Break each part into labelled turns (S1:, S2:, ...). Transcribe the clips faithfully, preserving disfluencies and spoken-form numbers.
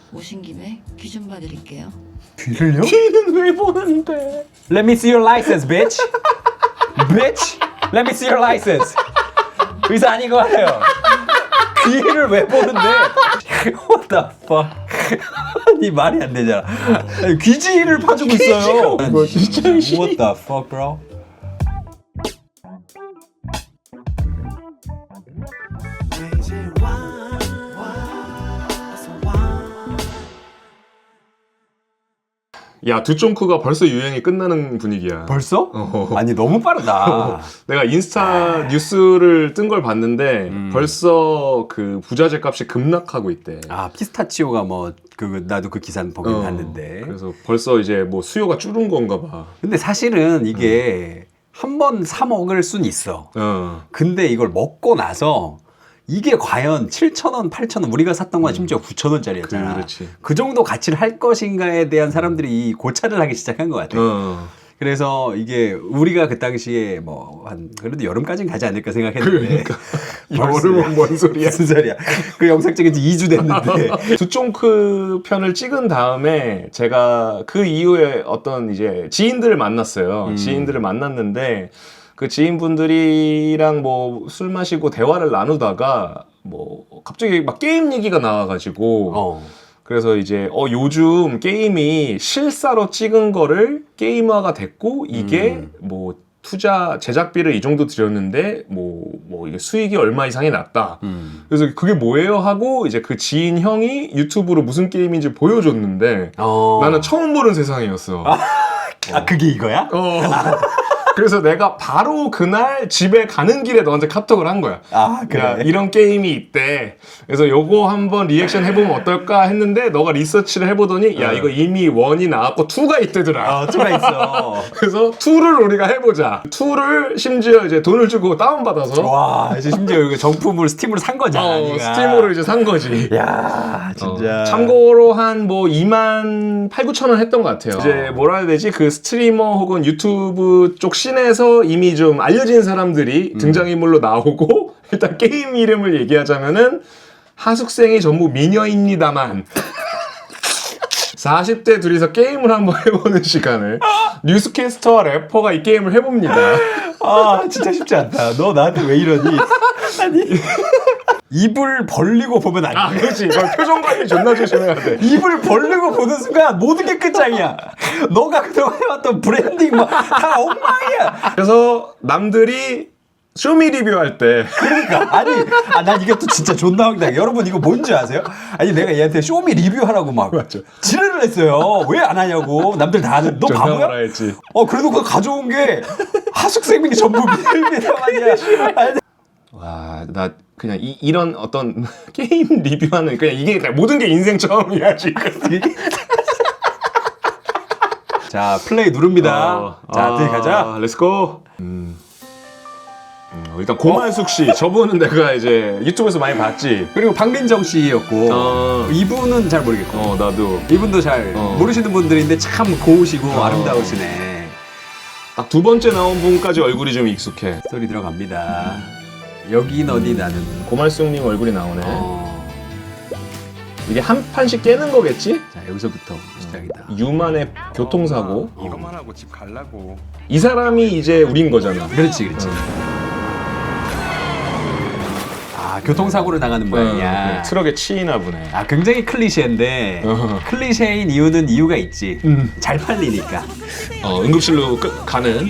S1: 오신 김에 귀 좀 봐드릴게요.
S2: 귀를요?
S3: 귀는 왜 보는데?
S2: Let me see your license, bitch. bitch. Let me see your license. 의사 아닌 것 같아요. 귀를 왜 보는데? What the fuck? 이 말이 안 되잖아. 아니, 귀지를 파주고 있어요.
S3: 이거 진짜
S2: What the fuck, bro?
S3: 야, 두쫑크가 벌써 유행이 끝나는 분위기야.
S2: 벌써?
S3: 어.
S2: 아니 너무 빠르다.
S3: 내가 인스타 뉴스를 뜬 걸 봤는데
S2: 음.
S3: 벌써 그 부자재 값이 급락하고 있대.
S2: 아 피스타치오가 뭐 그 나도 그 기사는 보긴
S3: 어,
S2: 봤는데.
S3: 그래서 벌써 이제 뭐 수요가 줄은 건가 봐.
S2: 근데 사실은 이게 한 번 사 먹을 순 있어.
S3: 어.
S2: 근데 이걸 먹고 나서 이게 과연 칠천 원, 팔천 원 우리가 샀던 건 심지어 구천 원짜리였잖아.
S3: 그, 그렇지.
S2: 그 정도 가치를 할 것인가에 대한 사람들이 고찰을 하기 시작한 것 같아.
S3: 어.
S2: 그래서 이게 우리가 그 당시에 뭐 한 그래도 여름까지는 가지 않을까 생각했는데
S3: 그러니까 여름은 뭔 소리야?
S2: 무슨 소리야? 그 영상 찍은 지 이 주 됐는데
S3: 두쫑크 편을 찍은 다음에 제가 그 이후에 어떤 이제 지인들을 만났어요.
S2: 음.
S3: 지인들을 만났는데 그 지인분들이랑 뭐 술 마시고 대화를 나누다가 뭐 갑자기 막 게임 얘기가 나와가지고
S2: 어.
S3: 그래서 이제 어 요즘 게임이 실사로 찍은 거를 게임화가 됐고 이게
S2: 음.
S3: 뭐 투자 제작비를 이 정도 들였는데 뭐 뭐 이게 수익이 얼마 이상이 났다.
S2: 음.
S3: 그래서 그게 뭐예요 하고 이제 그 지인 형이 유튜브로 무슨 게임인지 보여줬는데
S2: 어.
S3: 나는 처음 보는 세상이었어.
S2: 아 그게 이거야?
S3: 어. 그래서 내가 바로 그날 집에 가는 길에 너한테 카톡을 한 거야.
S2: 아 그래.
S3: 야, 이런 게임이 있대. 그래서 요거 한번 리액션 해보면 어떨까 했는데 너가 리서치를 해보더니 야
S2: 어.
S3: 이거 이미 원이 나왔고 투가 있대더라.
S2: 어, 투가 있어.
S3: 그래서 투를 우리가 해보자. 투를 심지어 이제 돈을 주고 다운받아서
S2: 와, 이제 심지어 이거 정품을 스팀으로 산 거잖아.
S3: 어,
S2: 네가.
S3: 스팀으로 이제 산 거지.
S2: 야, 진짜.
S3: 어, 참고로 한 뭐 이만 팔구천 원 했던 것 같아요. 이제 뭐라 해야 되지? 그 스트리머 혹은 유튜브 쪽 씬에서 이미 좀 알려진 사람들이
S2: 음.
S3: 등장인물로 나오고 일단 게임 이름을 얘기하자면은 하숙생이 전부 미녀입니다만 사십 대 둘이서 게임을 한번 해보는 시간을 뉴스캐스터와 래퍼가 이 게임을 해봅니다.
S2: 아, 진짜 쉽지 않다. 너 나한테 왜 이러니? 아니. 입을 벌리고 보면 안 돼.
S3: 아, 그렇지. 이걸 표정 관리 존나 조심해야 돼.
S2: 입을 벌리고 보는 순간 모든 게 끝장이야. 너가 그동안 해왔던 브랜딩 뭐 다 엉망이야.
S3: 그래서 남들이 쇼미 리뷰할 때
S2: 그러니까 아니, 아, 난 이게 또 진짜 존나 황당해. 여러분 이거 뭔지 아세요? 아니 내가 얘한테 쇼미 리뷰하라고 막
S3: 맞죠.
S2: 지랄을 했어요. 왜 안 하냐고. 남들 다 하는. 너
S3: 존나
S2: 바보야?
S3: 뭐라 했지.
S2: 어 그래도 그거 가져온 게 하숙생이 전부 미들미들하냐.
S3: 와, 나 그냥 이, 이런 어떤 게임 리뷰하는 그냥 이게 그냥 모든 게 인생 처음이야 지금.
S2: 자 플레이 누릅니다.
S3: 어,
S2: 자
S3: 아,
S2: 들어가자.
S3: 렛츠고. 음. 음, 일단 고만숙 씨, 저분은 내가 이제 유튜브에서 많이 봤지.
S2: 그리고 박민정 씨였고
S3: 어.
S2: 이분은 잘 모르겠고
S3: 어, 나도
S2: 이분도 잘
S3: 어.
S2: 모르시는 분들인데 참 고우시고
S3: 어.
S2: 아름다우시네.
S3: 딱 두 번째 나온 분까지 얼굴이 좀 익숙해.
S2: 소리 들어갑니다. 여긴 어디 나는.
S3: 고말숙님 얼굴이 나오네.
S2: 어.
S3: 이게 한 판씩 깨는 거겠지?
S2: 자 여기서부터 시작이다.
S3: 유만의 교통사고.
S4: 이것만 하고 집 갈라고.
S3: 이 사람이 이제 우린 거잖아.
S2: 그렇지 그렇지. 아 교통사고를 당하는 모양이야.
S3: 어, 트럭에 치이나 보네.
S2: 아 굉장히 클리셰인데
S3: 어.
S2: 클리셰인 이유는 이유가 있지.
S3: 음.
S2: 잘 팔리니까.
S3: 어, 응급실로 끝, 가는.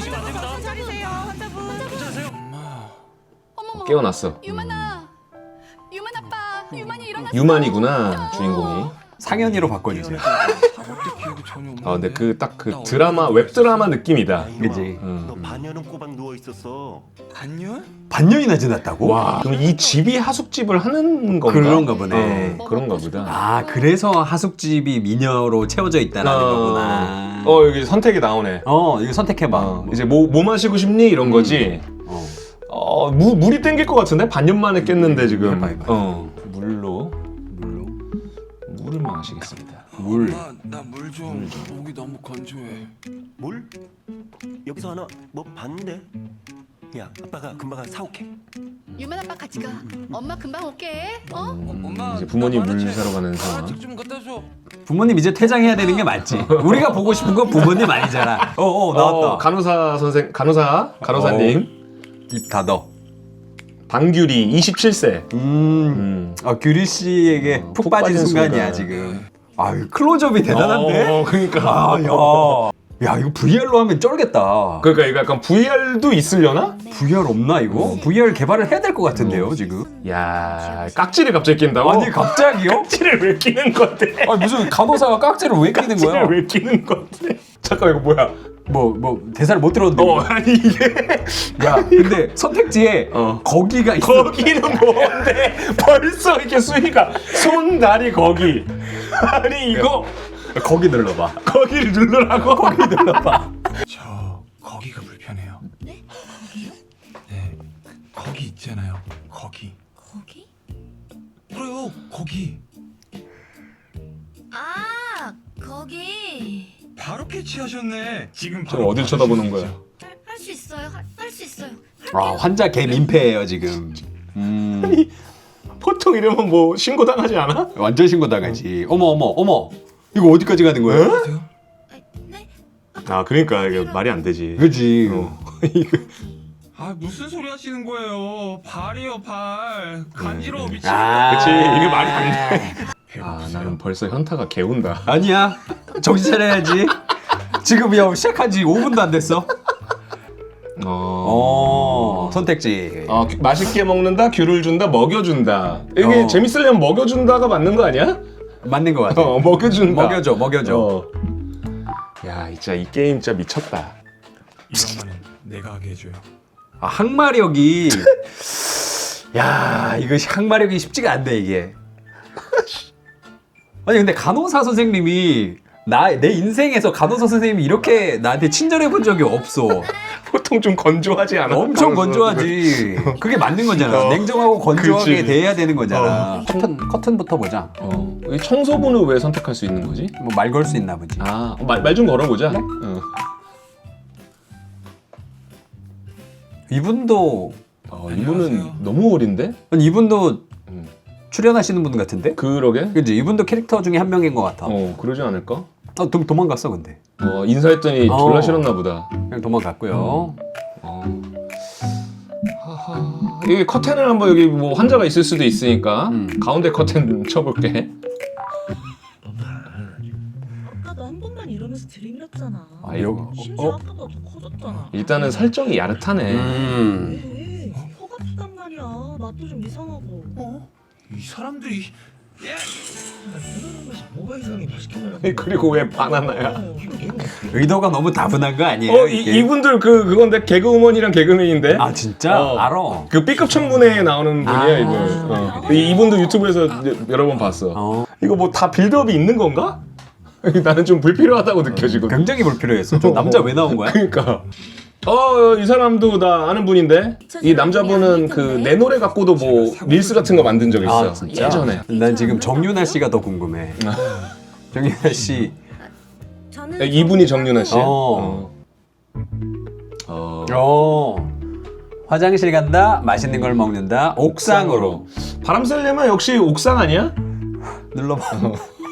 S5: 어머머.
S3: 깨어났어.
S5: 유만아. 유만 아빠. 유만이 일어났어.
S3: 유만이구나 주인공이.
S2: 상현이로 바꿔주세요.
S3: 아 근데 그 딱 그 드라마 웹 드라마 느낌이다.
S2: 그지.
S3: 응.
S6: 너 반년은 꼬박 누워 있었어.
S4: 반년?
S2: 반년이나 지났다고?
S3: 와 그럼 이 집이 하숙집을 하는 건가?
S2: 그런가 보네.
S3: 어, 그런가 보다.
S2: 아 그래서 하숙집이 미녀로 채워져 있다라는 거구나.
S3: 어 여기 선택이 나오네.
S2: 어 이거 선택해봐.
S3: 어, 이제 뭐, 뭐 마시고 싶니 이런 거지.
S2: 어.
S3: 어 무, 물이 땡길 것 같은데 반년 만에 깼는데 지금.
S2: 해봐, 해봐.
S3: 어 물로
S2: 물로
S3: 물을 마시겠습니다.
S2: 물.
S4: 나물 좀. 목이 너무 건조해.
S6: 뭘? 여기서 하나 뭐 봤는데? 야, 아빠가 금방 가서 사올게.
S5: 유만 아빠 같이 가. 엄마 금방 올게. 어?
S4: 엄마
S3: 이제 부모님
S4: 나
S3: 물
S4: 만화책-
S3: 사러 가는 상황.
S4: 만화책 좀 갖다 줘.
S2: 부모님 이제 퇴장해야 되는 게 맞지. 우리가 보고 싶은 건 부모님 아니잖아. 어어 나왔다.
S3: 어, 간호사 선생 간호사 간호사님
S2: 입 닫어.
S3: 방규리 이십칠 세.
S2: 음.
S3: 음.
S2: 아 규리 씨에게
S3: 어,
S2: 푹,
S3: 푹
S2: 빠진,
S3: 빠진
S2: 순간이야
S3: 순간.
S2: 지금. 아유 클로즈업이 대단한데.
S3: 어, 그러니까.
S2: 아 야. 야 이거 브이알로 하면 쩔겠다.
S3: 그러니까 이거 약간 브이알도 있으려나?
S2: 브이알 없나 이거? 브이알 개발을 해야 될 것 같은데요 지금.
S3: 야 깍지를 갑자기 낀다고?
S2: 아니 갑자기요?
S3: 깍지를 왜 끼는 건데?
S2: 아니 무슨 간호사가 깍지를 왜 끼는 거야?
S3: 깍지를 왜 끼는 건데? 잠깐 이거 뭐야?
S2: 뭐 뭐 대사를 못 들었는데.
S3: 어 아니 이게
S2: 야 근데 선택지에
S3: 어.
S2: 거기가 있어.
S3: 거기는 뭔데? 벌써 이렇게 수위가 손 다리 거기. 아니 이거
S2: 거기 눌러봐.
S3: 거기를 누르라고?
S2: 거기 눌러봐.
S4: 저 거기가 불편해요.
S5: 네? 거기요?
S4: 네. 거기 있잖아요. 거기.
S5: 거기?
S4: 그래요. 거기.
S5: 아, 거기.
S4: 바로 캐치하셨네. 지금
S3: 저
S4: 바로
S3: 어딜 쳐다보는 거야?
S5: 할 수 있어요. 할 수 있어요.
S2: 아 환자 개 민폐예요 지금. 음
S3: 보통 이러면 뭐 신고 당하지 않아?
S2: 완전 신고 당하지. 어머 어머 어머. 이거 어디까지 가는 거야?
S4: 보세요.
S5: 네?
S3: 아 그러니까 이게 말이 안 되지.
S2: 그지.
S3: 어. 이거
S4: 아 무슨 소리 하시는 거예요? 발이요 발. 간지러워 미치겠다.
S2: 아
S3: 그치, 이게 말이 안
S2: 돼.
S3: 아 나는 벌써 현타가 개운다.
S2: 아니야. 정신 차려야지. 지금 야 시작한 지 오 분도 안 됐어. 어 선택지.
S3: 어, 규- 맛있게 먹는다, 귤을 준다, 먹여준다. 이게
S2: 어.
S3: 재밌으려면 먹여준다가 맞는 거 아니야?
S2: 맞는 것 같아.
S3: 어, 먹여준다.
S2: 먹여줘 먹여줘.
S3: 어. 야, 진짜 이 게임 진짜 미쳤다.
S4: 이런 말은 내가 하게 해줘요.
S2: 아, 항마력이 야 이거 항마력이 쉽지가 않네 이게. 아니 근데 간호사 선생님이 나 내 인생에서 간호사 선생님이 이렇게 나한테 친절해 본 적이 없어.
S3: 보통 좀 건조하지 않아?
S2: 엄청
S3: 간호사
S2: 건조하지. 그게 맞는 거잖아.
S3: 어.
S2: 냉정하고 건조하게
S3: 그치.
S2: 대해야 되는 거잖아.
S3: 어.
S2: 커튼 커튼부터 보자.
S3: 어. 이 청소부는 왜 선택할 수 있는 거지?
S2: 뭐 말 걸 수 있나 보지.
S3: 아, 말 좀 걸어보자. 어.
S2: 이분도
S3: 어, 이분은
S4: 안녕하세요.
S3: 너무 어린데?
S2: 아니, 이분도
S3: 음.
S2: 출연하시는 분 같은데?
S3: 그러게?
S2: 그지? 이분도 캐릭터 중에 한 명인 것 같아. 어,
S3: 어, 그러지 않을까?
S2: 도, 도망갔어 근데.
S3: 어, 인사했더니
S2: 어.
S3: 졸라 싫었나 보다.
S2: 그냥 도망갔고요.
S3: 어. 하하. 여기 커튼을 한번 여기 뭐 환자가 있을 수도 있으니까
S2: 음.
S3: 가운데 커튼 쳐볼게.
S7: 아까도 한 번만 이러면서 들이밀었잖아.
S3: 아, 이거
S7: 심지어
S2: 어?
S7: 아까보다 더 커졌잖아.
S3: 일단은 설정이 야릇하네.
S2: 음.
S7: 왜? 혀가 아프단 말이야. 맛도 좀 이상하고.
S4: 어? 이 사람들이
S7: 뭐가 이상해? 맛있게 먹어.
S3: 그리고 왜 바나나야?
S2: 의도가 너무 다분한 거 아니에요?
S3: 어, 이,
S2: 이게?
S3: 이분들 그 그건데 개그우먼이랑 개그맨인데.
S2: 아 진짜?
S3: 어.
S2: 알아.
S3: 그 B급 청문회에 나오는 분이야
S2: 아.
S3: 이분. 어. 이- 이분도 유튜브에서 이제 여러 번 봤어.
S2: 어.
S3: 이거 뭐 다 빌드업이 있는 건가? 나는 좀 불필요하다고 느껴지거든.
S2: 굉장히 불필요했어. 저 남자 왜 나온 거야?
S3: 그러니까. 어, 이 사람도 나 아는 분인데 이 남자분은 그 내 노래 갖고도 뭐 릴스 같은 거 만든 적 있어.
S2: 아 진짜?
S3: 예전에.
S2: 난 지금 정윤아 씨가 더 궁금해. 정윤아 씨.
S7: 저는
S3: 네, 이분이 정윤아 씨.
S2: 어.
S3: 어.
S2: 어. 화장실 간다. 맛있는 걸 먹는다. 옥상으로.
S3: 바람 쐬려면 역시 옥상 아니야?
S2: 눌러봐.
S7: 아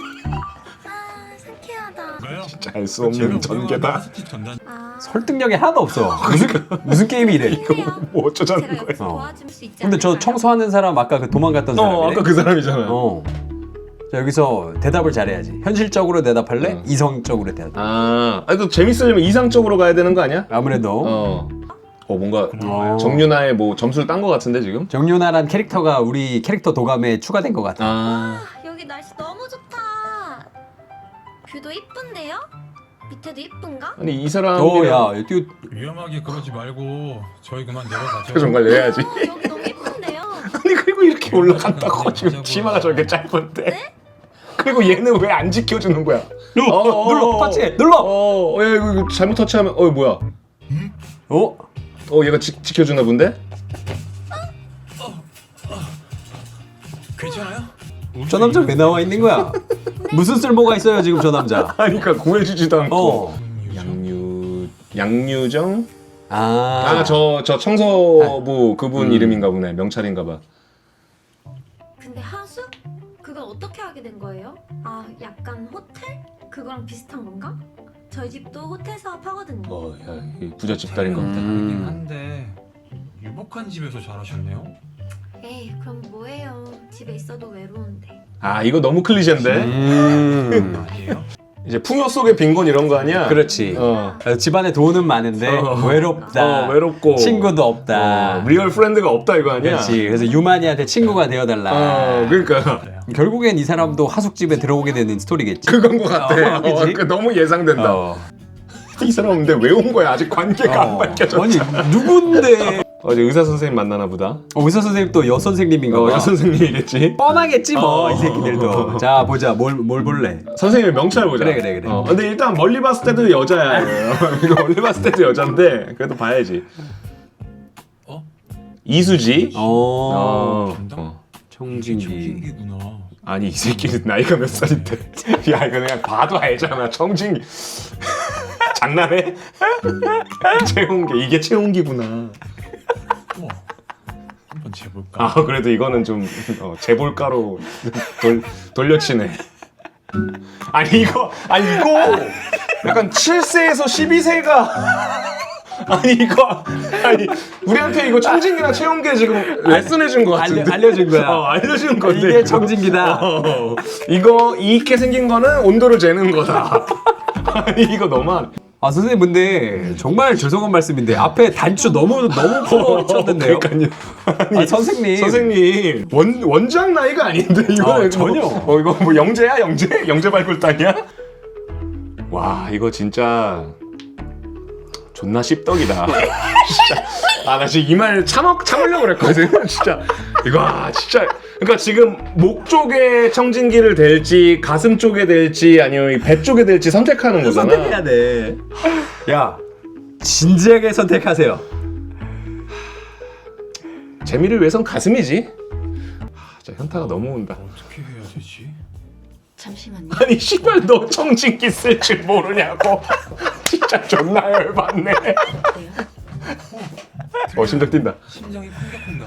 S7: 상쾌하다.
S3: 진짜 알 수 없는 전개다.
S4: 전단.
S7: 아
S2: 설득력이 하나도 없어. 무슨 무슨 게임이 이래?
S3: 뭐 어쩌자는
S7: 제가
S3: 거야?
S7: 여기서
S2: 어.
S7: 도와줄 수 있지
S2: 근데 저
S7: 않을까요?
S2: 청소하는 사람 아까 그 도망갔던 사람이네.
S3: 어, 아까 그 사람이잖아.
S2: 어. 자, 여기서 대답을 잘해야지. 현실적으로 대답할래?
S3: 응.
S2: 이성적으로 대답.
S3: 아, 아니 또 재밌으려면 이상적으로 가야 되는 거 아니야?
S2: 아무래도
S3: 어. 어, 뭔가
S2: 어.
S3: 정윤아의 뭐 점수를 딴 거 같은데 지금?
S2: 정윤아란 캐릭터가 우리 캐릭터 도감에 추가된 것 같아.
S3: 아.
S7: 여기 날씨 너무 좋다. 뷰도 이쁜데요? 밑에도 이쁜가?
S3: 아니 이 사람
S2: 오, 야, 이거
S4: 위험하게 그러지 말고 저희 그만 내려가죠.
S3: 표정 관리해야지.
S7: 어, 여기 너무 이쁜데요?
S3: 아니 그리고 이렇게 올라간다고 지금 치마가 저렇게 짧은데? 그리고 얘는 왜 안 지켜주는 거야?
S2: 눌러,
S3: 어,
S2: 눌러,
S3: 어,
S2: 터치, 눌러.
S3: 어, 어, 야, 이거 이거 잘못 터치하면 어 뭐야?
S2: 어?
S3: 어 얘가 지, 지켜주나 본데?
S4: 괜찮아요?
S2: 저 남자 왜 나와 있는 거야? 무슨 쓸모가 있어요 지금 저 남자?
S3: 아니 그러니까 구해주지도 않고.
S2: 어.
S3: 양유 양유정?
S2: 아,
S3: 아 저 저 청소부 그분
S2: 음.
S3: 이름인가 보네. 명찰인가 봐.
S7: 근데 하수? 그건 어떻게 하게 된 거예요? 아 약간 호텔? 그거랑 비슷한 건가? 저희 집도 호텔 사업하거든요.
S3: 어, 야, 이 부잣집 딸인가 보다.
S2: 음.
S4: 긴 한데 유복한 집에서 자라셨네요.
S7: 에이 그럼 뭐해요. 집에 있어도 외로운데.
S3: 아 이거 너무 클리셰인데.
S2: 음.
S4: 아니에요?
S3: 이제 풍요 속의 빈곤 이런 거 아니야?
S2: 그렇지.
S3: 어.
S2: 집안에 돈은 많은데
S3: 어.
S2: 외롭다.
S3: 어, 외롭고
S2: 친구도 없다.
S3: 어, 리얼 프렌드가 없다 이거 아니야?
S2: 그렇지. 그래서 유만이한테 친구가 되어달라.
S3: 어, 그러니까
S2: 결국엔 이 사람도 하숙집에 들어오게 되는 스토리겠지.
S3: 그건 것 같아.
S2: 어, 그치?
S3: 어, 그 너무 예상된다.
S2: 어.
S3: 이 사람 근데 왜 온 거야? 아직 관계가 안
S2: 어.
S3: 밝혀져.
S2: 아니 누군데?
S3: 어제 의사 선생님 만나나 보다.
S2: 어, 의사 선생님 또 여 선생님인가
S3: 어,
S2: 봐.
S3: 여 선생님이겠지.
S2: 뻔하겠지 뭐 이
S3: 어.
S2: 새끼들도. 자 보자 뭘 뭘 볼래?
S3: 선생님의 명찰 보자.
S2: 그래, 그래, 그래.
S3: 어, 근데 일단 멀리 봤을 때도 여자야. 이거 멀리 봤을 때도 여잔데 그래도 봐야지.
S4: 어?
S3: 이수지.
S2: 어.
S3: 어. 어.
S2: 청진기.
S4: 청진기구나.
S3: 아니 이 새끼는 나이가 몇 살인데? 야 이거 그냥 봐도 알잖아. 청진. 장난해? 채용기 이게 채용기구나.
S4: 우와. 한번 재볼까?
S3: 아 그래도 이거는 좀 어, 재볼가로 돌, 돌려치네. 아니 이거 아니 이거 약간 칠 세에서 십이 세가 아니 이거 아니 우리한테 이거 청진기나 채용기 지금 레슨해 준 거 같은데.
S2: 알려- 알려준 거야.
S3: 어, 알려준 건데
S2: 이게
S3: 이거.
S2: 청진기다.
S3: 어, 이거 이렇게 생긴 거는 온도를 재는 거다. 아니 이거 너만.
S2: 아 선생님 근데 정말 죄송한 말씀인데 앞에 단추 너무 너무 풀어쳤는데요.
S3: 그러니까요. 아니,
S2: 아, 선생님.
S3: 선생님 원 원장 나이가 아닌데 이거
S2: 아,
S3: 뭐,
S2: 전혀.
S3: 어 이거 뭐 영재야 영재 영재 발굴단이야? 와 이거 진짜 존나 씹덕이다. 진짜 아 나 지금 이 말 참아 참으려고 그랬거든. 진짜 이거 아, 진짜 그러니까 지금 목 쪽에 청진기를 댈지 가슴 쪽에 댈지 아니면 이 배 쪽에 댈지 선택하는 거잖아.
S2: 선택해야 돼. 야 진지하게 선택하세요.
S3: 재미를 위해선 가슴이지. 아, 진짜 현타가 너무 온다.
S4: 어떻게 해야 되지?
S1: 잠시만요.
S3: 아니 씨발 너 청진기 쓸 줄 모르냐고. 진짜 존나 열받네. 어 심장 뛴다.
S4: 심장이 콩닥콩닥.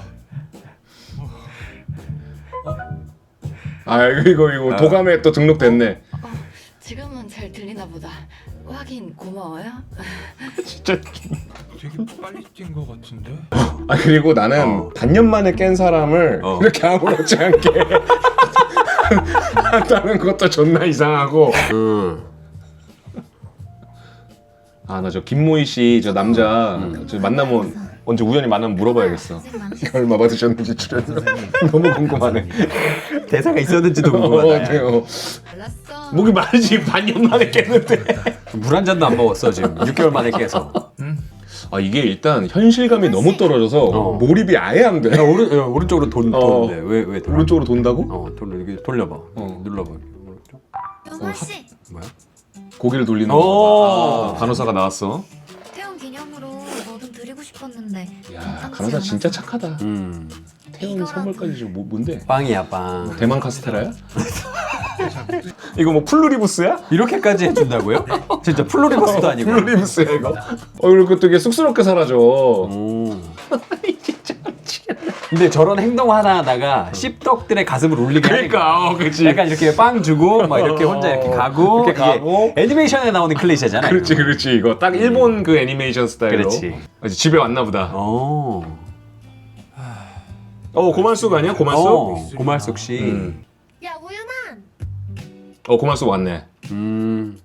S3: 아 이거 이거 도감에 또 등록됐네.
S1: 어, 지금은 잘 들리나 보다. 확인 고마워요.
S3: 진짜.
S4: 되게 빨리 뛴 것 같은데?
S3: 아 그리고 나는
S2: 어.
S3: 반년 만에 깬 사람을
S2: 어.
S3: 이렇게 아무렇지 않게 한다는 것도 존나 이상하고.
S2: 음.
S3: 아 나 저 김모희 씨 저 남자 저 만나면 언제 우연히 만나면 물어봐야겠어. 얼마 받으셨는지 출연료. 너무 궁금하네.
S2: 대사가 있었는지도
S3: 어,
S2: 궁금하다.
S3: 네, 어.
S1: 알았어.
S3: 목이 마르지 반년 만에 깼는데.
S2: 물 한 잔도 안 먹었어 지금. 육 개월 만에 깨서.
S3: 아 이게 일단 현실감이 너무 떨어져서
S2: 어.
S3: 몰입이 아예 안 돼.
S2: 야, 오른 야, 오른쪽으로 돈
S3: 어.
S2: 도는데 왜왜 돌아?
S3: 오른쪽으로 돈다고?
S2: 어 돌려 이렇게 돌려봐.
S3: 어.
S2: 눌러봐. 오른쪽.
S7: 용원 씨,
S2: 뭐야?
S3: 고개를 돌리는
S2: 오.
S3: 거. 아, 간호사가 나왔어.
S7: 태원 기념으로 뭐 좀 드리고 싶었는데.
S3: 야
S7: 괜찮지
S3: 간호사 진짜
S7: 않았어?
S3: 착하다.
S2: 음.
S3: 태훈 선물까지 좀 뭐, 뭔데?
S2: 빵이야 빵.
S3: 대만 카스테라야? 이거 뭐 플루리부스야?
S2: 이렇게까지 해준다고요? 진짜 플로리버스도 아니고.
S3: 플루리부스야 이거? 어 이렇게 되게 쑥스럽게 사라져.
S2: 오. 근데 저런 행동 하나 하다가 씹덕들의 가슴을 울리게 하니까.
S3: 그러니까 어 그렇지.
S2: 약간 이렇게 빵 주고 막 이렇게 혼자 이렇게 가고
S3: 이렇게
S2: 이게
S3: 가고.
S2: 애니메이션에 나오는 클리셰잖아.
S3: 그렇지 그렇지 이거 딱 일본 그 애니메이션 스타일로.
S2: 그렇지.
S3: 이제 집에 왔나 보다.
S2: 오.
S3: 어 고말숙 아니야 고말숙?
S2: 어, 고말숙 씨.
S3: 음.
S7: 야 우윤아.
S3: 어 고말숙 왔네.
S2: 음.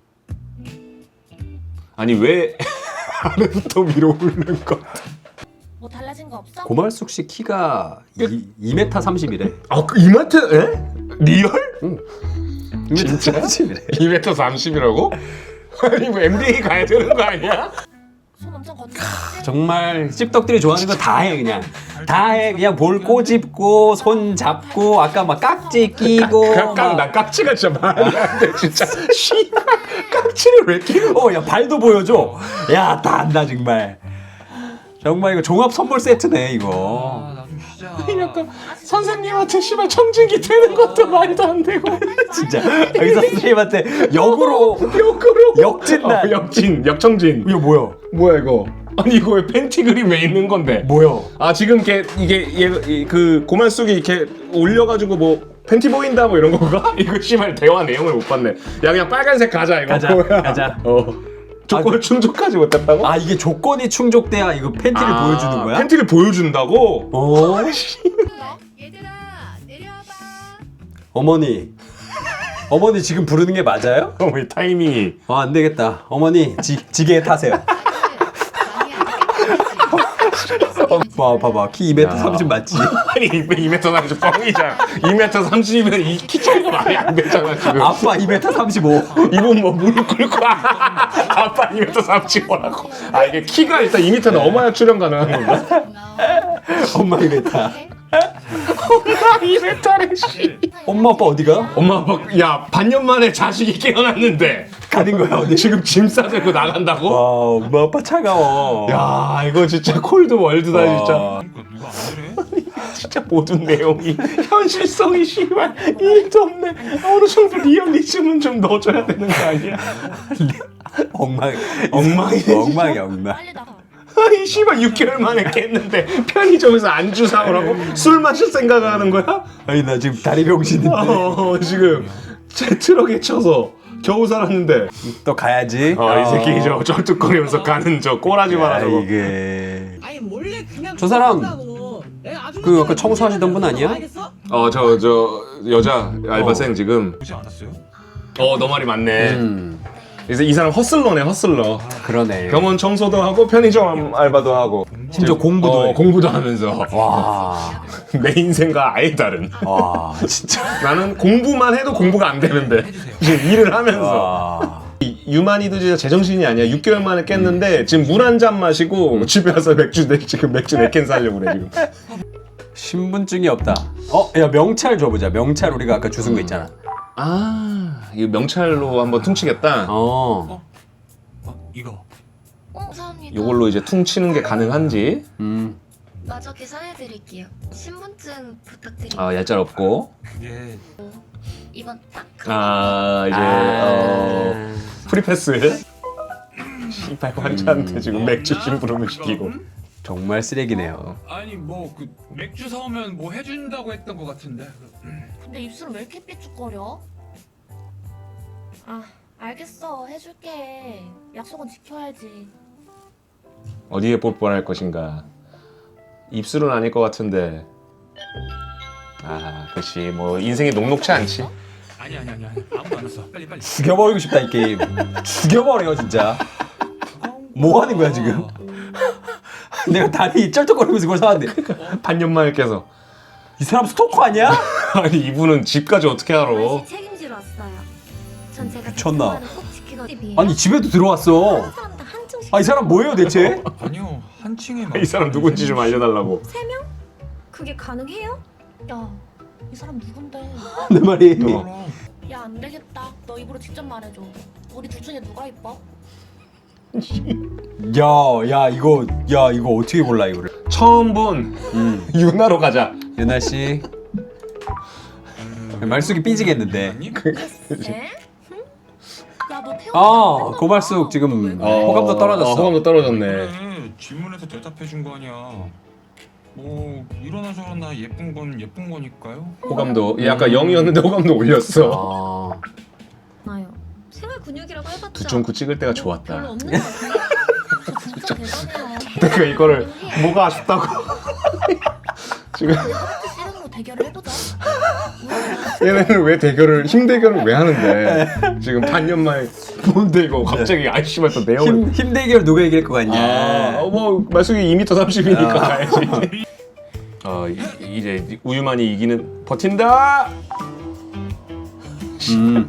S3: 아니 왜 아래부터 위로 오르는 거?
S7: 뭐 달라진 거 없어?
S2: 고말숙 씨 키가 이 미터 삼십이래.
S3: 아그 이마트 에? 리얼?
S2: 진짜 삼십이래.
S3: 이 미터 삼십이라고? 아니 뭐 엠비에이 가야 되는 거 아니야?
S7: 손 엄청 걷는
S2: 정말 씹덕들이 좋아하는 거 다 해 그냥. 다 해. 그냥 볼 꼬집고 손 잡고 아까 막 깍지 끼고
S3: 깍, 깍, 나 깍지가 진짜 말이 안 돼 진짜. 씨발 깍지를 왜 끼는 거야?
S2: 어, 야 발도 보여줘. 야, 다 안다 정말. 정말 이거 종합 선물 세트네 이거.
S4: 아, 나 좀 쉬자.
S3: 약간 선생님한테 씨발 청진기 되는 것도 말도 안 되고.
S2: 진짜 여기서 선생님한테 역으로
S3: 역으로
S2: 역진단.
S3: 어, 역진 역청진.
S2: 이거 뭐야?
S3: 뭐야 이거? 아니 이거 왜 팬티 그림 왜 있는 건데?
S2: 뭐요?
S3: 아 지금 이게 이게 얘, 그 고말 속에 이렇게 올려가지고 뭐 팬티 보인다 뭐 이런 건가? 이거 씨발 대화 내용을 못 봤네. 야 그냥 빨간색 가자 이거.
S2: 가자,
S3: 뭐야.
S2: 가자.
S3: 어. 조건을
S2: 아,
S3: 충족하지 못했다고?
S2: 아 이게 조건이 충족돼야 이거 팬티를
S3: 아,
S2: 보여주는 거야?
S3: 팬티를 보여준다고?
S2: 오.
S5: 얘들아 내려와봐.
S2: 어머니. 어머니 지금 부르는 게 맞아요?
S3: 어머 이 타이밍이.
S2: 아, 안 되겠다. 어머니 지, 지게에 타세요. 봐 봐봐 키 이 미터 삼십 맞지?
S3: 아니 이 미터 삼십 뻥이잖아. 이 미터 삼십이면 이 키 차이가 말이 안 되잖아 지금.
S2: 아빠 이 미터 삼십오.
S3: 이분 뭐 무릎 꿇고 아빠 이 미터 삼십오라고. 아 이게 키가 일단 이 미터는 엄마야 출연 가능한 건가?
S2: 엄마 이 미터.
S3: 이 미터래 씨.
S2: 엄마 아빠 어디가?
S3: 엄마 아빠 야 반년 만에 자식이 깨어났는데
S2: 가는 거야 어디?
S3: 지금 짐 싸들고 나간다고?
S2: 와 엄마 아빠 차가워.
S3: 야 이거 진짜 콜드 월드다
S2: 와.
S3: 진짜.
S4: 그러니까 누가 안 그래?
S3: 진짜 모든 내용이 현실성이 씨발 일도 없네. 어느 정도 리얼리즘은 좀 넣어줘야 되는 거 아니야?
S2: 엉망
S3: 엉망이네,
S2: 엉망이 엉망.
S5: 빨리 나가.
S3: 아니 씨발 육 개월 만에 깼는데 편의점에서 안주 사오라고 술 마실 생각을 하는 거야?
S2: 아니 나 지금 다리 병신인데
S3: 어 지금 제 트럭에 쳐서 겨우 살았는데
S2: 또 가야지.
S3: 어, 이 새끼 저 쩔뚝거리면서 가는 저 꼬라지 마라
S2: 야,
S3: 저거.
S2: 이게
S8: 아니 몰래 그냥
S2: 저 사람
S8: 내가 아주
S2: 그 아까 청소하시던 분 아니야?
S3: 어 저 저 여자 알바생 지금
S4: 보지 않았어요?
S3: 어 너 말이 맞네.
S2: 음
S3: 그래서 이 사람 허슬러네 허슬러.
S2: 그러네.
S3: 병원 청소도 하고 편의점 알바도 하고
S2: 심지어 공부도
S3: 어,
S2: 해.
S3: 공부도 하면서
S2: 와,
S3: 내 인생과 아예 다른.
S2: 와 진짜.
S3: 나는 공부만 해도 공부가 안 되는데 지금 일을 하면서
S2: 와.
S3: 이 유마니드즈가 제정신이 아니야. 육 개월 만에 깼는데 지금 물 한 잔 마시고 집에 와서 맥주 네, 지금 맥주 네 캔 사려고 그래 지금.
S2: 신분증이 없다. 어, 야 명찰 줘보자. 명찰 우리가 아까 주순 거 있잖아.
S3: 아 이거 명찰로 한번 퉁치겠다.
S2: 어.
S4: 어? 이거
S1: 감사합니다.
S3: 이걸로 이제 퉁치는 게 가능한지.
S2: 음.
S1: 마저 계산해드릴게요. 신분증 부탁드립니다.
S3: 아 얄짤 없고.
S4: 그게
S1: 이건 딱.
S3: 아 이제 어, 프리패스. 씨발 환자한테 지금 맥주 심부름을 시키고.
S2: 정말 쓰레기네요.
S4: 아니 뭐 그 맥주 사오면 뭐 해준다고 했던 것 같은데.
S5: 근데 입술은 왜 이렇게 삐죽거려? 아 알겠어 해줄게. 약속은 지켜야지.
S3: 어디에 뽀뽀를 할 것인가. 입술은 아닐 것 같은데. 아 그렇지 뭐 인생이 녹록치 않지.
S4: 아니 아니 아니 아니 아무도 안 왔어. 빨리 빨리.
S2: 죽여버리고 싶다 이 게임. 죽여버려 진짜. 뭐 하는 거야 지금? 내가 다리 쩔뚝거리면서 그걸 사왔는데
S3: 반년 만에 깨서.
S2: 이 사람 스토커 아니야?
S3: 아니 이분은 집까지 어떻게 알아?
S7: 아저씨 책임지러 왔어요. 전 제가
S2: 미쳤나?
S7: 그 꼭 지키거든요.
S2: 아니 집에도 들어왔어.
S7: 한 사람당 한증씩.
S2: 아 이 사람 뭐예요 대체?
S4: 아니요 한 층에만.
S3: 이 사람 누군지 좀 알려달라고.
S7: 세 명? 그게 가능해요?
S5: 야 이 사람 누군데?
S2: 내 말이.
S4: 그럼.
S5: 야 안 되겠다. 너 입으로 직접 말해줘. 우리 둘 중에 누가 이뻐?
S2: 야, 야 이거, 야 이거 어떻게 몰라 이거를?
S3: 처음 본
S2: 음,
S3: 유나로 가자.
S2: 유나 씨. 말숙이 삐지겠는데.
S4: 아니?
S5: 에? 야너 태어.
S2: 아, 고발숙 지금 호감도 떨어졌어.
S3: 어, 호감도 떨어졌네.
S4: 그래 질문에서 대답해 준 거 아니야. 뭐 이러나 저러나 예쁜 건 예쁜 거니까요.
S3: 호감도 얘 아까 영이었는데 호감도 올렸어.
S2: 아,
S7: 나요. 생활 근육이라고 해봤자
S3: 두 점 구 찍을 때가
S7: 별로
S3: 좋았다.
S7: 없는 것 같은데.
S5: 진짜 대단해요.
S3: 내가 이거를 뭐가 아쉽다고. 지금
S5: 하트 씨름으로 대결을 해보자.
S3: 얘네는 왜 대결을 힘 대결을 왜 하는데 지금 반년 만에 뭔데 이거 갑자기 아이씨발 또 내용을.
S2: 힘, 힘 대결 누가 이길 것 같냐?
S3: 아, 뭐 말숙이 이 미터 삼십이니까
S2: 아.
S3: 가야지. 어 이- 이제 우유만이 이기는 버틴다.
S2: 음,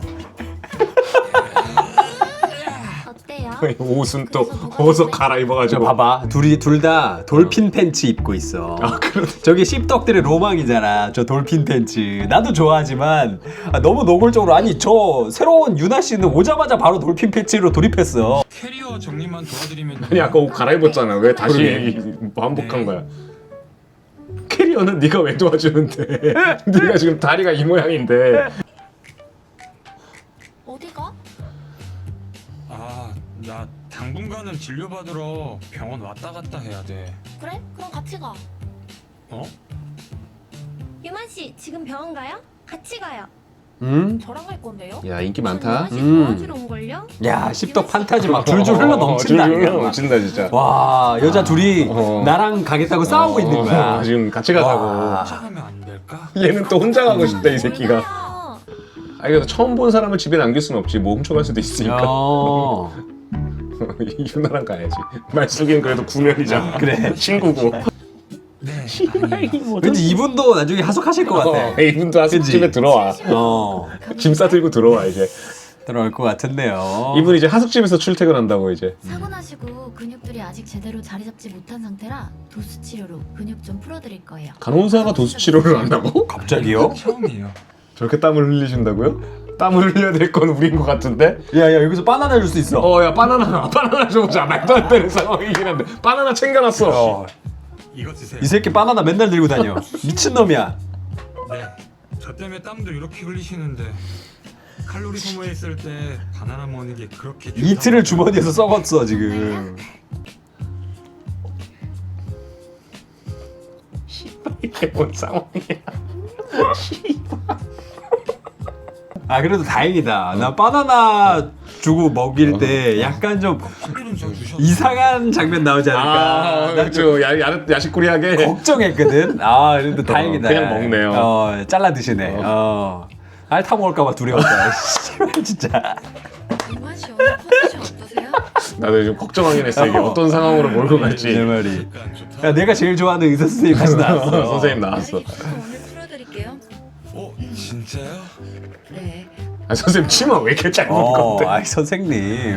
S7: 어때요?
S3: 옷은 또 어서 갈아입어가지고.
S2: 저 봐봐, 둘이 둘 다 돌핀 팬츠 입고 있어.
S3: 아 그러네.
S2: 저게 씹덕들의 로망이잖아. 저 돌핀 팬츠. 나도 좋아하지만 아, 너무 노골적으로 아니 저 새로운 유나 씨는 오자마자 바로 돌핀 팬츠로 돌입했어.
S4: 캐리어 정리만 도와드리면.
S3: 아니 아까 옷 갈아입었잖아. 왜 다시
S2: 그러게.
S3: 반복한 거야? 캐리어는 네가 왜 도와주는데? 네가 지금 다리가 이 모양인데.
S5: 어디가?
S4: 아, 나 당분간은 진료받으러 병원 왔다 갔다 해야 돼.
S7: 그래? 그럼 같이 가.
S4: 어?
S7: 유만 씨 지금 병원 가요? 같이 가요.
S2: 음?
S7: 저랑 갈 건데요?
S3: 야 인기
S7: 전
S3: 많다.
S7: 유만 씨
S2: 음.
S7: 도와주러 온 걸요?
S2: 야 씹덕 판타지 막 줄줄 흘러 넘친다.
S3: 줄줄 흘러 넘친다 진짜.
S2: 와 여자 둘이
S3: 어.
S2: 나랑 가겠다고 싸우고 있는 거야.
S3: 어, 지금 같이 가자고.
S2: 와.
S4: 혼자 가면 안 될까?
S3: 얘는 또 혼자 가고 싶다 이 새끼가.
S7: 몰라요.
S3: 아 이거 처음 본 사람을 집에 남길 수는 없지. 뭐 훔쳐갈 수도 있으니까.
S2: 어.
S3: 유나랑 가야지. 말숙이는 그래도 구면이잖아.
S2: 그래.
S3: 친구고.
S4: 네.
S2: 왠지 이분도 나중에 하숙하실 것 같아.
S3: 어, 이분도 하숙집에
S2: 그치?
S3: 들어와.
S2: 어.
S3: 짐 싸들고 들어와 이제.
S2: 들어올 것 같은데요.
S3: 이분 이제 하숙집에서 출퇴근한다고 이제.
S9: 사고 나시고 근육들이 아직 제대로 자리 잡지 못한 상태라 도수 치료로 근육 좀 풀어드릴 거예요.
S3: 간호사가 도수 치료를 한다고?
S2: 갑자기요?
S4: 처음이에요.
S3: 저렇게 땀을 흘리신다고요? 땀을 흘려야 될 건 우리인 것 같은데?
S2: 야야 여기서 바나나 줄 수 있어.
S3: 어 야 바나나 바나나 줘보자. 말도 안 되는 상황이긴 한데 바나나 챙겨놨어.
S2: 어.
S4: 이거 드세요.
S2: 이 새끼 바나나 맨날 들고 다녀. 미친놈이야.
S4: 네. 저 때문에 땀도 이렇게 흘리시는데 칼로리 소모했을 때 바나나 먹는 게 그렇게 좋다고
S2: 이틀을 주머니에서 썩었어 지금.
S3: 이게 뭔 상황이야?
S2: 아 그래도 다행이다. 나 바나나 주고 먹일 때 약간 좀
S4: 술은 저 주셨어요.
S2: 이상한 장면 나오지 않을까.
S3: 아
S2: 나
S3: 그렇죠. 야, 야, 야식꾸리하게.
S2: 걱정했거든. 아 그래도 다행이다.
S3: 그냥 먹네요.
S2: 어 잘라 드시네. 어. 앓다 먹을까봐 두려웠다. 씨발, 진짜.
S1: 유만 씨 오늘 컨디션 어떠세요?
S3: 나도 좀 걱정하긴 했어. 이게
S2: 어.
S3: 어떤 상황으로 몰고
S2: 내
S3: 갈지.
S2: 말이.
S4: 약간 좋다.
S2: 야 내가 제일 좋아하는 의사 선생님 다시 나왔어.
S3: 선생님 나왔어.
S1: 다리 기부터 오늘 풀어드릴게요.
S4: 어, 진짜요?
S1: 네.
S3: 아 선생님 치마 왜 이렇게 짧은
S2: 어,
S3: 건데?
S2: 아이 선생님.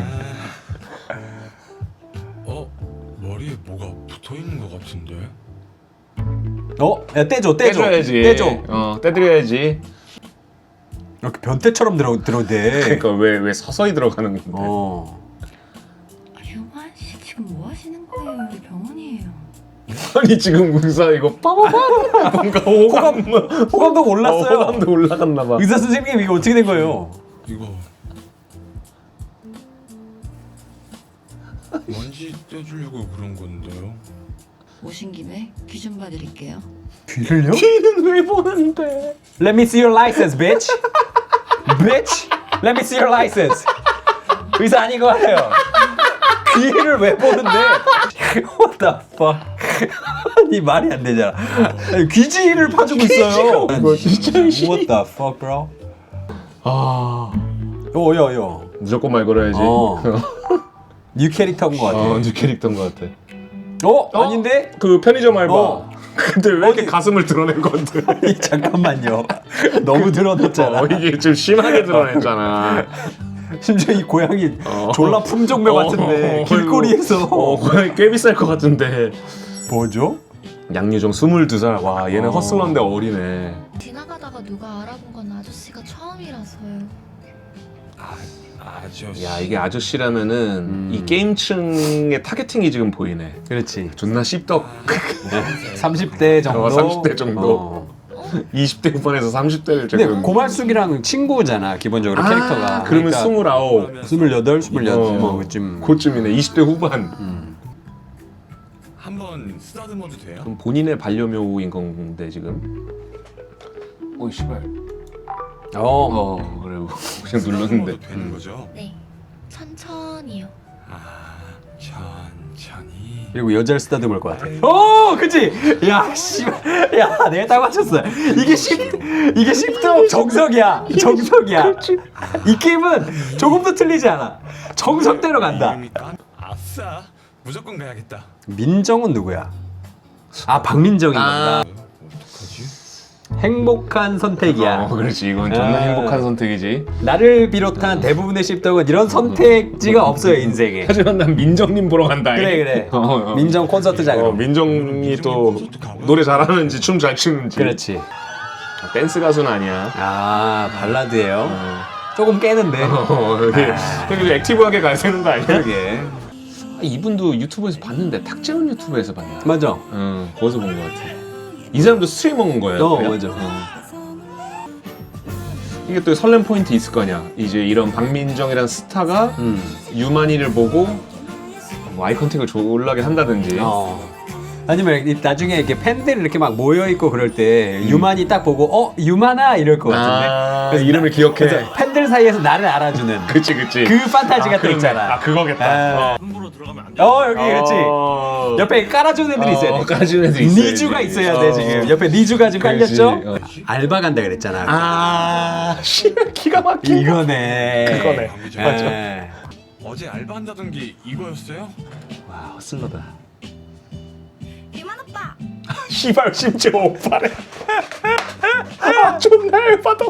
S4: 어, 머리에 뭐가 붙어 있는 것 같은데?
S2: 어? 야 떼줘 떼줘.
S3: 떼줘야지.
S2: 떼줘.
S3: 어 떼드려야지.
S2: 이렇게 변태처럼 들어 들어대.
S3: 그러니까 왜 왜 서서히 들어가는 건데?
S2: 어.
S1: 아, 유만 씨 지금 뭐 하시는 거예요? 여기 병원이에요.
S3: 아니 지금 의사 이거 빠바바 뭔가 호감
S2: 호감도 올랐어요.
S3: 어, 호감도 올라갔나 봐.
S2: 의사 선생님 이거 어떻게 된 거예요?
S4: 이거 먼지 떼주려고 그런 건데요.
S1: 오신 김에 귀 좀 봐드릴게요.
S2: 귀를요?
S3: 귀는 왜 보는데?
S2: Let me see your license, bitch. bitch. Let me see your license. 의사 아닌 것 같아요. 귀를 왜 보는데? What the fuck? 이 말이 안 되잖아. 아니, 귀지를 파주고 있어요.
S3: 이거 진짜
S2: What the fuck, bro?
S3: 아
S2: 요, 요, 요.
S3: 무조건 말 걸어야지.
S2: 어. 뉴 캐릭터인 것 같아.
S3: 어, 뉴 캐릭터인 것 같아.
S2: 어? 아닌데?
S3: 그 편의점 알바.
S2: 어.
S3: 근데 왜 이렇게
S2: 어디-
S3: 가슴을 드러낸 건데?
S2: 아니, 잠깐만요. 너무 드러냈잖아.
S3: 어, 이게 좀 심하게 드러냈잖아.
S2: 심지어 이 고양이
S3: 어.
S2: 졸라 품종묘 같은데
S3: 어,
S2: 길거리에서
S3: 어, 고양이 꽤 비쌀 것 같은데.
S2: 뭐죠?
S3: 양유정 스물두 살. 와, 얘는
S2: 어.
S3: 헛슬런데 어리네.
S9: 지나가다가 누가 알아본 건 아저씨가 처음이라서요.
S4: 아저씨.
S3: 야, 이게 아저씨라면은
S2: 음.
S3: 이 게임층의 타겟팅이 지금 보이네.
S2: 그렇지.
S3: 존나 씹덕.
S2: 삼십 대 정도.
S3: 어, 삼십 대 정도.
S2: 어.
S3: 이십 대 후반에서 삼십 대를
S2: 근데
S3: 지금.
S2: 고말숙이랑 친구잖아 기본적으로
S3: 아,
S2: 캐릭터가.
S3: 그러면
S2: 그러니까
S3: 스물아홉.
S2: 스물여덟, 스물여덟
S3: 어.
S2: 뭐 그쯤.
S3: 그쯤이네. 이십 대 후반.
S2: 음.
S4: 한번 쓰다듬어도 돼요?
S3: 그럼 본인의 반려묘인 건데 지금. 오이 씨발.
S2: 어.
S3: 어 그래 그냥 눌렀는데.
S4: 쓰다듬어도 되는 거죠?
S9: 네, 천천히요.
S4: 아, 천천히.
S2: 그리고 여자를 쓰다듬을 것 같아. 어, 그치? 야, 씨발. 야, 내가 딱 맞췄어. 이게 십, 이게 십도 정석이야. 정석이야. 이 게임은 조금도 틀리지 않아. 정석대로 간다.
S4: 이름이 깐- 아싸, 무조건 가야겠다.
S2: 민정은 누구야? 아, 박민정인 건가?
S4: 어떡하지?
S2: 행복한 선택이야.
S3: 어 그렇지 이건 존나
S2: 아.
S3: 행복한 선택이지.
S2: 나를 비롯한 대부분의 십덕은 이런 선택지가 없어요, 인생에.
S3: 하지만 난 민정님 보러 간다.
S2: 그래, 그래.
S3: 어, 어.
S2: 민정 콘서트장으로.
S3: 어, 민정이 또 노래 잘하는지 춤 잘 추는지.
S2: 그렇지.
S3: 댄스 가수는 아니야.
S2: 아, 발라드예요.
S3: 어,
S2: 조금 깨는데.
S3: 어 여기 여기 액티브하게 가야 되는 거 아니야?
S2: 그러게.
S3: 아, 이분도 유튜브에서 봤는데 탁재훈 유튜브에서 봤나?
S2: 맞아.
S3: 응 거기서 본 거 같아. 이 사람도 스트리머인 거예요.
S2: 어,
S3: 그래요?
S2: 맞아.
S3: 어. 이게 또 설렘 포인트 있을 거냐. 이제 이런 박민정이란 스타가
S2: 음.
S3: 유만이를 보고 뭐 아이 컨택을 졸라게 한다든지.
S2: 어. 아니면 이- 나중에 이렇게 팬들이 이렇게 막 모여 있고 그럴 때
S3: 음.
S2: 유만이 딱 보고 어 유만아 이럴 것 같은데.
S3: 아,
S2: 그래서
S3: 이름을 기억해.
S2: 그래서 팬들 사이에서 나를 알아주는
S3: 그치 그치.
S2: 그 판타지가
S3: 아,
S2: 또
S3: 그러네.
S2: 있잖아.
S3: 아 그거겠다.
S2: 아.
S3: 어.
S6: rum으로 들어가면 안 돼.
S2: 어 여기 그렇지.
S3: 어.
S2: 옆에 깔아주는 애들이 있어야 돼.
S3: 어, 깔아주는 애들이 있어야지.
S2: 니주가 있어야 돼
S3: 어.
S2: 지금. 옆에 니주가 지금
S3: 그렇지.
S2: 깔렸죠?
S3: 어.
S2: 알바 간다 그랬잖아.
S3: 아, 씨, 기가 막힌.
S2: 이거네.
S3: 그거네. 맞아.
S2: 예.
S4: 어제 알바한다던 게 이거였어요?
S3: 와, 헛슬러다.
S7: 유만 오빠.
S3: 씨발, 심지어 오빠래. 아, 존나 열받아.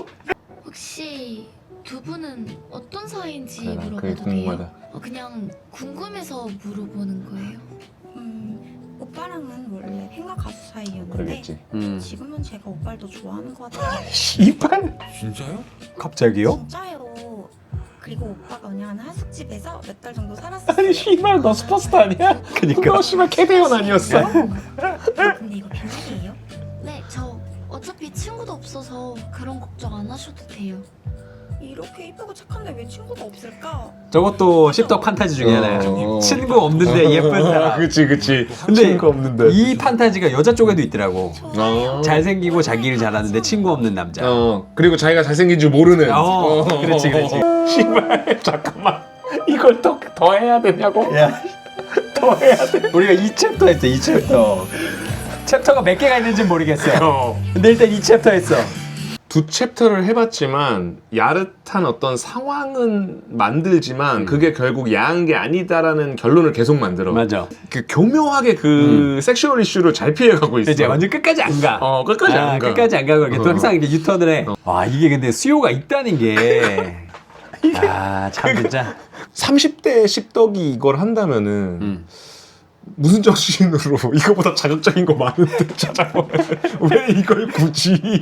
S9: 혹시 두 분은 어떤 사이인지
S3: 그래, 그게
S9: 물어봐도
S3: 궁금하다.
S9: 돼요? 어, 그냥 궁금해서 물어보는 거예요.
S10: 음, 오빠랑은 원래 팬과 가수 사이였는데
S3: 그러겠지.
S2: 음.
S10: 지금은 제가 오빠를 더 좋아하는 것 같아요.
S3: 씨발.
S4: 진짜요?
S2: 갑자기요?
S10: 진짜요. 그리고 오빠가 운영하는 하숙집에서 몇 달 정도 살았어요.
S3: 아니, 씨발, 너 슈퍼스타 아니야?
S2: 그니까.
S3: 너 씨발 캐대원 아니었어?
S10: 아, 근데 이거 비밀이에요?
S9: 네, 저 어차피 친구도 없어서 그런 걱정 안 하셔도 돼요.
S10: 이렇게 이쁘고 착한데 왜 친구가 없을까?
S2: 저것도 십덕 판타지 중에 하나야.
S3: 어.
S2: 친구 없는데 예쁜 사람.
S3: 그치, 그치.
S2: 근데
S3: 친구가 없는데.
S2: 이 판타지가 여자 쪽에도 있더라고.
S3: 어.
S2: 잘생기고 자기 일 잘하는데 친구 없는 남자.
S3: 어, 그리고 자기가 잘생긴 줄 모르는.
S2: 어, 그렇지, 그렇지.
S3: 씨발, 잠깐만. 이걸 더, 더 해야 되냐고?
S2: 야,
S3: 더 해야 돼.
S2: 우리가 이 챕터 했어, 이 챕터. 챕터가 몇 개가 있는지 모르겠어.
S3: 어.
S2: 근데 일단 이 챕터 했어.
S3: 두 챕터를 해봤지만 야릇한 어떤 상황은 만들지만
S2: 음.
S3: 그게 결국 야한 게 아니다라는 결론을 계속 만들어.
S2: 맞아.
S3: 그 교묘하게 그 섹슈얼 이슈를 잘 피해가고 있어.
S2: 이제 완전 끝까지 안 가.
S3: 어 끝까지
S2: 아,
S3: 안 가.
S2: 끝까지 안 가고 이렇게 또
S3: 어.
S2: 항상 이렇게 유턴을 해. 와, 이게 근데 수요가 있다는 게. 아, 참 진짜.
S3: 삼십 대 십덕이 이걸 한다면은
S2: 음.
S3: 무슨 정신으로 이거보다 자극적인 거 많은데 찾아보면 왜 이걸 굳이?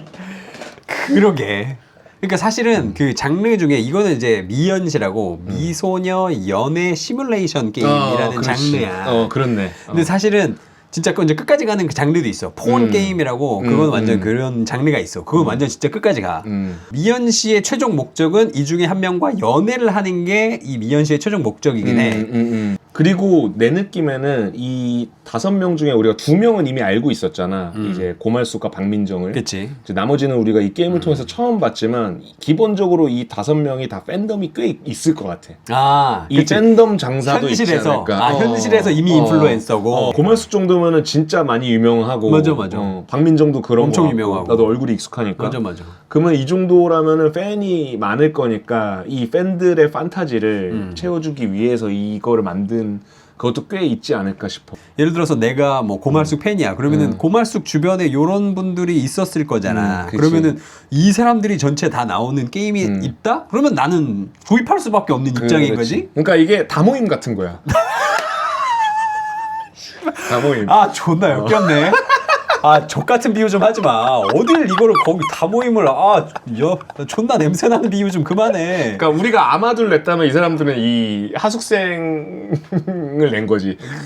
S2: 그러게. 그러니까 사실은 그 장르 중에 이거는 이제 미연시라고 미소녀 연애 시뮬레이션 게임이라는
S3: 어, 그렇지.
S2: 장르야.
S3: 어 그렇네.
S2: 근데 사실은 진짜 그 이제 끝까지 가는 그 장르도 있어. 폰
S3: 음.
S2: 게임이라고
S3: 음,
S2: 그건 완전
S3: 음.
S2: 그런 장르가 있어. 그건 완전 진짜 끝까지 가.
S3: 음.
S2: 미연 씨의 최종 목적은 이 중에 한 명과 연애를 하는 게 이 미연 씨의 최종 목적이긴 해.
S3: 음, 음, 음. 그리고 내 느낌에는 이 다섯 명 중에 우리가 두 명은 이미 알고 있었잖아.
S2: 음.
S3: 이제 고말숙과 박민정을.
S2: 그치?
S3: 이제 나머지는 우리가 이
S2: 음.
S3: 게임을 통해서 처음 봤지만 기본적으로 이 다섯 명이 다 팬덤이 꽤 있을 것 같아.
S2: 아,
S3: 이
S2: 그치.
S3: 팬덤 장사도 있지
S2: 현실에서
S3: 않을까.
S2: 아
S3: 어.
S2: 현실에서 이미
S3: 어.
S2: 인플루엔서고.
S3: 어, 고말숙 정도면은 진짜 많이 유명하고.
S2: 맞아, 맞아.
S3: 어, 박민정도 그런
S2: 엄청
S3: 거 같고.
S2: 유명하고.
S3: 나도 얼굴이 익숙하니까.
S2: 맞아 맞아.
S3: 그러면 이 정도라면은 팬이 많을 거니까 이 팬들의 판타지를
S2: 음.
S3: 채워주기 위해서 이거를 만든 그것도 꽤 있지 않을까 싶어.
S2: 예를 들어서 내가 뭐 고말숙 팬이야. 그러면은
S3: 음.
S2: 고말숙 주변에 요런 분들이 있었을 거잖아.
S3: 음, 그치.
S2: 그러면은 이 사람들이 전체 다 나오는 게임이
S3: 음.
S2: 있다? 그러면 나는 구입할 수밖에 없는 입장인
S3: 그렇지.
S2: 거지.
S3: 그러니까 이게 다 모임 같은 거야. 다 모임.
S2: 아 존나 역겹네. 아 족같은 비유 좀 하지 마. 어딜 이거를 거기 다 모임을 아 여, 존나 냄새나는 비유 좀 그만해.
S3: 그러니까 우리가 아마도를 냈다면 이 사람들은 이 하숙생을 낸 거지.